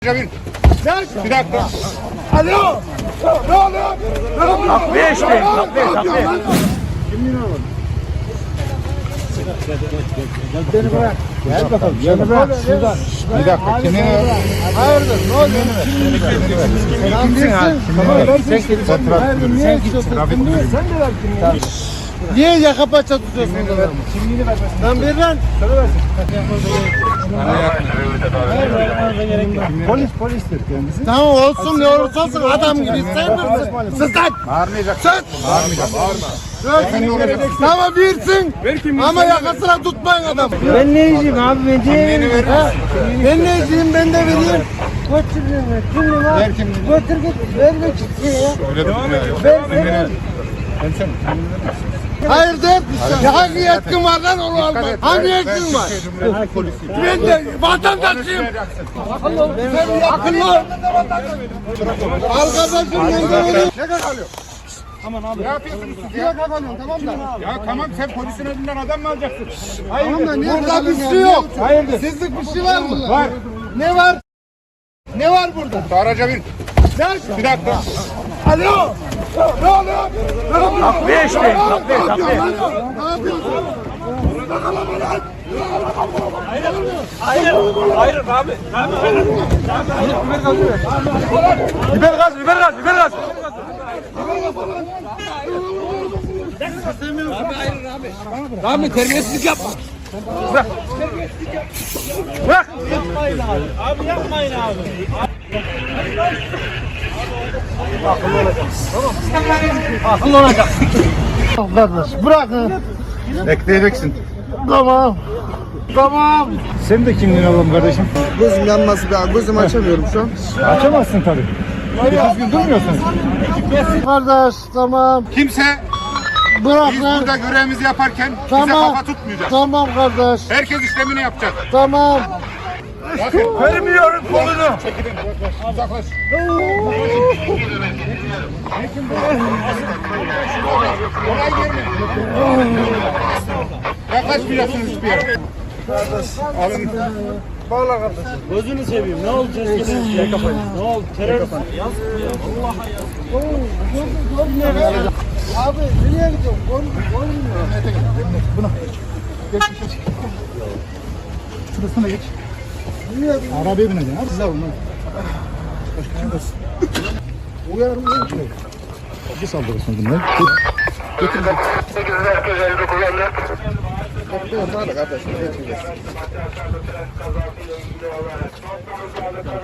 Bir dakika. Alo. Ne oluyor? Takviye işte. Takviye. Beni bırak. Gel bakalım. Beni bırak. Şuradan. Bir dakika. Kimliğini ver. Hayırdır? Ne oluyor? Sen kimsin? Sen kimsin? Sen kimsin? Sen de ver kimliğini. Niye yaka paça tutuyorsun adamı? Kimliğini ver. Lan ver lan. Söyle versin. Polistir kendisi. Tamam olsun ne olursa olsun adam gibi sen vursun. Sus lan. Bağırmayacaksın. Sus. Bağırmayacak. Tamam versin. Ama yakasına tutmayın adam. Ben ne yiyeceğim abi ben diyeyim. Ben ne yiyeceğim ben de vereyim. Götür kimliğini al. Ver kimliğini. Götür git. Ver git ya. Öyle de Ver. Hayırdır? Hangi yetkin var lan onu almak? Hangi yetkin var? Ben de vatandaşıyım. Akıllı. Arkadaşım ben de vereyim. Ne kalıyor? Aman abi. Ne yapıyorsunuz siz Bir ya? dakika kalıyorum tamam da. Ya tamam sen polisin önünden adam mı alacaksın? Tamam da burada bir şey yok. Hayırdır? Sizlik bir şey var mı? Var. Ne var? Ne var burada? Araca bin. Bir dakika. Alo. Ne oluyor? Takviye işte. Takviye. Ne yapıyorsun? Hayır abi. Biber gaz. Abi terbiyesizlik yapma. Bırak. Abi yapmayın abi. Akıllı olacak. Kardeş bırakın. Bekleyeceksin. Tamam. Tamam. Sen de kimliğini alalım kardeşim. Gözüm yanması be. Gözümü açamıyorum şu an. Açamazsın tabii. Düzgün durmuyorsun. Kardeş tamam. Kimse Bırak biz lan. burada görevimizi yaparken bize Tamam. kafa tutmayacak. Tamam kardeş. Herkes işlemini yapacak. Tamam. Bakın. Vermiyorum kolunu. Çekilin. Uzaklaş. Olay yerine. Yaklaşmayacaksınız hiçbir yere. Alın. Bağla kardeş. Gözünü seveyim. Ne oldu? Ne oldu? Terör. Abi nereye gidiyorsun? Olmuyor. Buna. Geç. Şurasına geç. Arabaya bineceksin. Hadi size alın. Uyarım yok. Bir saldırırsın bunlar. Götürün. 8 herkes elde kullandı. Kardeşim.